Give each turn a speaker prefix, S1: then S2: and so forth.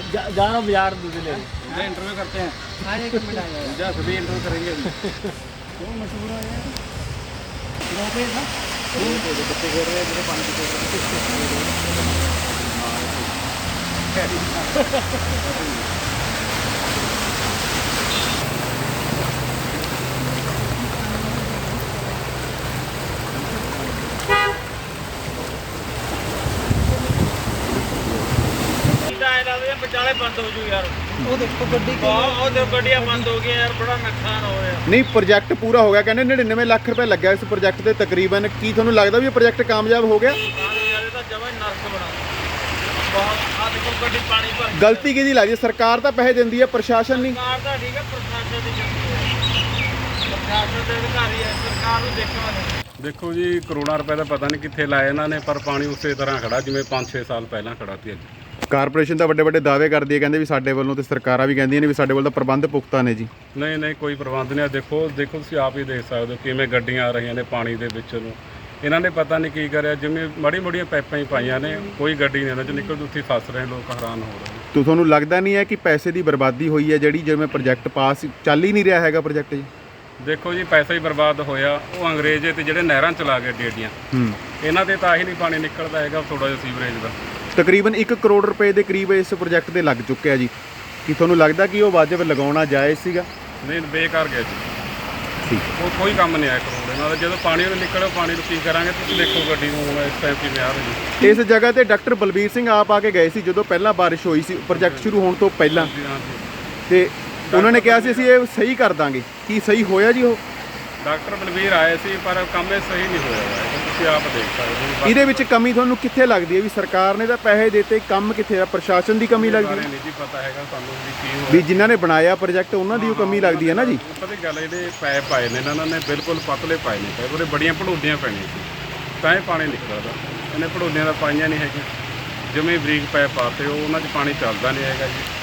S1: जाना बाजार दूध ले
S2: इंटरव्यू करते हैं,
S3: हर एक मिनट आ जाएगा।
S2: सभी इंटरव्यू करेंगे अभी।
S3: वो मशहूर है यार, गाँव पे था।
S2: बच्चे खेल रहे हैं, मेरे पानी पी रहे
S1: ਵਿਚਾਲੇ ਬੰਦ ਹੋ ਜੂ ਯਾਰ
S3: वो देखो गड्डी
S1: ਉਹ ਤੇ ਗੱਡੀਆਂ ਬੰਦ ਹੋ ਗਈਆਂ ਯਾਰ ਬੜਾ ਨੁਕਸਾਨ ਹੋ ਰਿਹਾ
S4: ਨਹੀਂ ਪ੍ਰੋਜੈਕਟ ਪੂਰਾ ਹੋ ਗਿਆ, ਕਹਿੰਦੇ 99 ਲੱਖ ਰੁਪਏ ਲੱਗਿਆ ਇਸ ਪ੍ਰੋਜੈਕਟ ਤੇ ਤਕਰੀਬਨ। ਕੀ ਤੁਹਾਨੂੰ ਲੱਗਦਾ ਵੀ ਇਹ ਪ੍ਰੋਜੈਕਟ ਕਾਮਯਾਬ ਹੋ ਗਿਆ?
S1: ਯਾਰ ਇਹ ਤਾਂ ਜਮਾਂ ਹੀ ਨਰਕ ਬਣਾ ਬਹੁਤ ਆ ਦੇਖੋ ਗੱਡੀ ਪਾਣੀ ਭਰ ਗਈ।
S4: ਗਲਤੀ ਕਿਹਦੀ ਲੱਗਦੀ ਹੈ? ਸਰਕਾਰ ਤਾਂ ਪੈਸੇ ਦਿੰਦੀ ਹੈ, ਪ੍ਰਸ਼ਾਸਨ ਨਹੀਂ।
S1: ਸਰਕਾਰ ਦਾ ਠੀਕ ਹੈ, ਪ੍ਰਸ਼ਾਸਨ ਦੀ ਗਲਤੀ ਹੈ। ਪ੍ਰਸ਼ਾਸਨ ਦੇ ਅਧਿਕਾਰੀ ਹੈ, ਸਰਕਾਰ ਨੂੰ ਦੇਖਣਾ ਚਾਹੀਦਾ।
S2: ਦੇਖੋ ਜੀ, ਕਰੋੜਾਂ ਰੁਪਏ ਦਾ ਪਤਾ ਨਹੀਂ ਕਿੱਥੇ ਲਾਏ ਇਹਨਾਂ ਨੇ, ਪਰ ਪਾਣੀ ਉਸੇ ਤਰ੍ਹਾਂ ਖੜਾ ਜਿਵੇਂ 5-6 ਸਾਲ ਪਹਿਲਾਂ ਖੜਾ ਸੀ। ਅੱਜ
S4: ਕਾਰਪੋਰੇਸ਼ਨ ਤਾਂ ਵੱਡੇ ਵੱਡੇ ਦਾਅਵੇ ਕਰਦੀ ਹੈ, ਕਹਿੰਦੇ ਵੀ ਸਾਡੇ ਵੱਲੋਂ, ਤੇ ਸਰਕਾਰਾਂ ਵੀ ਕਹਿੰਦੀਆਂ ਨੇ ਵੀ ਸਾਡੇ ਵੱਲ ਤਾਂ ਪ੍ਰਬੰਧ ਪੁਖਤਾ ਨੇ ਜੀ।
S2: ਨਹੀਂ ਕੋਈ ਪ੍ਰਬੰਧ ਨਹੀਂ। ਦੇਖੋ ਤੁਸੀਂ ਆਪ ਹੀ ਦੇਖ ਸਕਦੇ ਹੋ ਕਿਵੇਂ ਗੱਡੀਆਂ ਆ ਰਹੀਆਂ ਨੇ ਪਾਣੀ ਦੇ ਵਿੱਚ ਨੂੰ। ਇਹਨਾਂ ਨੇ ਪਤਾ ਨਹੀਂ ਕੀ ਕਰਿਆ, ਜਿਵੇਂ ਮੜੀਆਂ ਪਾਈਪਾਂ ਹੀ ਪਾਈਆਂ ਨੇ, ਕੋਈ ਗੱਡੀ ਨਹੀਂ ਇਹਨਾਂ 'ਚ ਨਿਕਲਦੀ, ਉੱਥੇ ਫਸ ਰਹੇ ਲੋਕ, ਹੈਰਾਨ ਹੋ ਰਹੇ ਨੇ।
S4: ਤੁਹਾਨੂੰ ਲੱਗਦਾ ਨਹੀਂ ਹੈ ਕਿ ਪੈਸੇ ਦੀ ਬਰਬਾਦੀ ਹੋਈ ਹੈ ਜਿਹੜੀ, ਜਿਵੇਂ ਪ੍ਰੋਜੈਕਟ ਪਾਸ ਚੱਲ ਹੀ ਨਹੀਂ ਰਿਹਾ ਹੈਗਾ ਪ੍ਰੋਜੈਕਟ ਜੀ?
S2: ਦੇਖੋ ਜੀ, ਪੈਸਾ ਹੀ ਬਰਬਾਦ ਹੋਇਆ। ਉਹ ਅੰਗਰੇਜ਼ ਤੇ ਜਿਹੜੇ ਨਹਿਰਾਂ ਚਲਾ ਗਏ ਏਡੀਆਂ, ਇਹਨਾਂ ਦੇ ਤਾਂ ਹੀ ਨਹੀਂ ਪਾਣੀ ਨਿਕਲਦਾ ਹੈਗਾ, ਥੋੜਾ ਜਿਹਾ ਸੀਵਰੇਜ ਦਾ।
S4: ਤਕਰੀਬਨ 1 ਕਰੋੜ ਰੁਪਏ ਦੇ ਕਰੀਬ ਇਸ ਪ੍ਰੋਜੈਕਟ ਤੇ ਲੱਗ ਚੁੱਕਿਆ ਜੀ। ਕੀ ਤੁਹਾਨੂੰ ਲੱਗਦਾ ਕਿ ਉਹ ਵਾਜਬ ਲਗਾਉਣਾ ਜਾਇਜ਼ ਸੀਗਾ?
S2: ਨਹੀਂ, ਬੇਕਾਰ ਗਿਆ ਜੀ।
S4: ਠੀਕ
S2: ਉਹ ਕੋਈ ਕੰਮ ਨਹੀਂ ਆਇਆ ਕਰੋੜ ਨਾਲ। ਜਦੋਂ ਪਾਣੀ ਨੂੰ ਨਿਕਲਿਆ, ਪਾਣੀ ਨੂੰ ਕੀ ਕਰਾਂਗੇ? ਤੁਸੀਂ ਦੇਖੋ ਗੱਡੀ ਨੂੰ ਹੁਣ ਇਸ ਟਾਈਮ ਕਿਵੇਂ ਆ ਰਹੀ ਹੈ।
S4: ਇਸ ਜਗ੍ਹਾ ਤੇ ਡਾਕਟਰ ਬਲਬੀਰ ਸਿੰਘ ਆਪ ਆ ਕੇ ਗਏ ਸੀ ਜਦੋਂ ਪਹਿਲਾਂ ਬਾਰਿਸ਼ ਹੋਈ ਸੀ ਪ੍ਰੋਜੈਕਟ ਸ਼ੁਰੂ ਹੋਣ ਤੋਂ ਪਹਿਲਾਂ, ਤੇ ਉਹਨਾਂ ਨੇ ਕਿਹਾ ਸੀ ਅਸੀਂ ਇਹ ਸਹੀ ਕਰ ਦਾਂਗੇ। ਕੀ ਸਹੀ ਹੋਇਆ ਜੀ ਉਹ?
S2: ਡਾਕਟਰ ਬਲਬੀਰ ਆਏ ਸੀ, ਪਰ ਕੰਮ ਇਹ ਸਹੀ ਨਹੀਂ ਹੋਇਆ ਹੈ। ਤੁਸੀਂ ਆਪ ਦੇਖ ਸਕਦੇ ਹੋ।
S4: ਇਹਦੇ ਵਿੱਚ ਕਮੀ ਤੁਹਾਨੂੰ ਕਿੱਥੇ ਲੱਗਦੀ ਹੈ? ਵੀ ਸਰਕਾਰ ਨੇ ਤਾਂ ਪੈਸੇ ਦਿੱਤੇ, ਕੰਮ ਕਿੱਥੇ ਆ? ਪ੍ਰਸ਼ਾਸਨ ਦੀ ਕਮੀ ਲੱਗਦੀ ਹੈ?
S2: ਨਹੀਂ ਜੀ ਪਤਾ ਹੈਗਾ ਤੁਹਾਨੂੰ ਵੀ ਕੀ ਹੋਇਆ।
S4: ਵੀ ਜਿਨ੍ਹਾਂ ਨੇ ਬਣਾਇਆ ਪ੍ਰੋਜੈਕਟ ਉਹਨਾਂ ਦੀ ਉਹ ਕਮੀ ਲੱਗਦੀ ਹੈ ਨਾ ਜੀ।
S2: ਪਤਾ ਕੀ ਗੱਲ ਹੈ, ਜਿਹੜੇ ਪੈਪ ਪਾਏ ਨੇ ਇਹਨਾਂ ਨੇ ਬਿਲਕੁਲ ਪਤਲੇ ਪਾਏ ਨੇ ਪੈਪ, ਉਹਦੇ ਬੜੀਆਂ ਭੜੋਡੀਆਂ ਪੈਣੀਆਂ ਸੀ ਤਾਂ ਇਹ ਪਾਣੀ ਨਿਕਲਦਾ। ਇਹਨੇ ਭੜੋਡੀਆਂ ਦਾ ਪਾਈਆਂ ਨਹੀਂ ਹੈਗੀਆਂ, ਜਿਵੇਂ ਬਰੀਕ ਪੈਪ ਪਾਤੇ, ਉਹ ਉਹਨਾਂ 'ਚ ਪਾਣੀ ਚੱਲਦਾ ਨਹੀਂ ਹੈਗਾ ਜੀ।